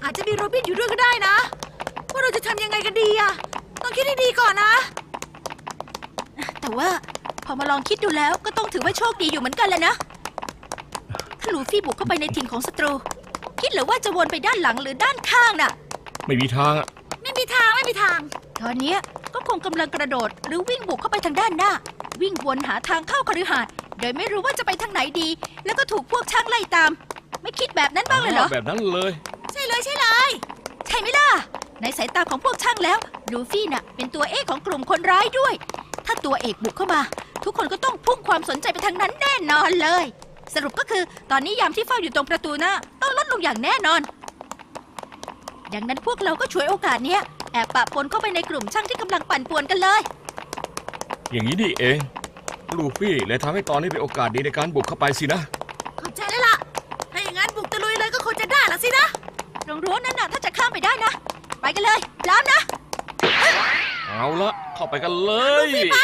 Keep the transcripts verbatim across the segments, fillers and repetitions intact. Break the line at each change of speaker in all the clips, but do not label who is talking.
อาจจะมีโรบินอยู่ด้วยก็ได้นะว่าเราจะทำยังไงกันดีอะต้องคิดให้ดีก่อนนะ
แต่ว่าพอมาลองคิดดูแล้วก็ต้องถือว่าโชคดีอยู่เหมือนกันแหละนะถ้าลูฟี่บุกเข้าไปในถิ่นของศัตรูคิดหรือว่าจะวนไปด้านหลังหรือด้านข้างน่ะ
ไม่มีทางอะ
ไม่มีทางไม่มีทาง
ตอนนี้ก็คงกำลังกระโดดหรือวิ่งบุกเข้าไปทางด้านหน้าวิ่งวนหาทางเข้าคฤหาสน์โดยไม่รู้ว่าจะไปทางไหนดีแล้วก็ถูกพวกช่างไล่ตามไม่คิดแบบนั้นบ้างเลยเหรอ
แบบนั้นเลย
ใช่เลยใช่เลย
ใช่ไหมล่ะในสายตาของพวกช่างแล้วลูฟี่น่ะเป็นตัวเอกของกลุ่มคนร้ายด้วยถ้าตัวเอกบุกเข้ามาทุกคนก็ต้องพุ่งความสนใจไปทางนั้นแน่นอนเลยสรุปก็คือตอนนี้ยามที่เฝ้าอยู่ตรงประตูหน้าต้องลดลงอย่างแน่นอนดังนั้นพวกเราก็ฉวยโอกาสนี้แอบปะปนเข้าไปในกลุ่มช่างที่กำลังปั่นป่วนกันเลย
อย่างนี้นี่เองลูฟี่เลยทำให้ตอนนี้เป็นโอกาสดีในการบุกเข้าไปสินะ
เข้าใจแล้วล่ะถ้าอย่างนั้นบุกตะลุยเลยก็คงจะได้ละสินะ
ตรงรั้วนั้นน่ะถ้าจะข้ามไปได้นะไปกันเลยพร้อมนะ
เอาละเข้าไปกันเลย
ไป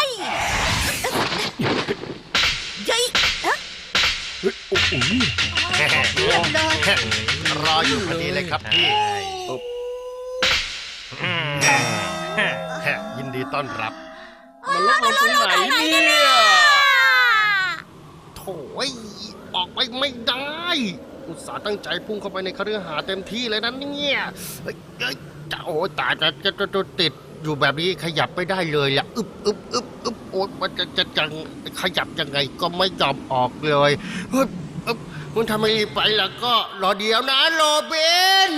เย้ย
เฮ้ยโอ้โห
รออยู่พอดีเลยครับพี่ยินดีต้อนรับ
มันลดลงตรงไหนเนี่ย
โถ่ออกไปไม่ได้อุตส่าห์ตั้งใจพุ่งเข้าไปในคฤหาสน์เต็มที่เลยนะเนี่ยเฮ้ยจะโอ้ตายจะจะจะติดอยู่แบบนี้ขยับไม่ได้เลยล่ะอึบอึบอึบอึบโอ้มันจะจะจังขยับยังไงก็ไม่ยอมออกเลยเฮ้ยมันทำไมรีบไปล่ะก็รอเดี๋ยวนะโรบิน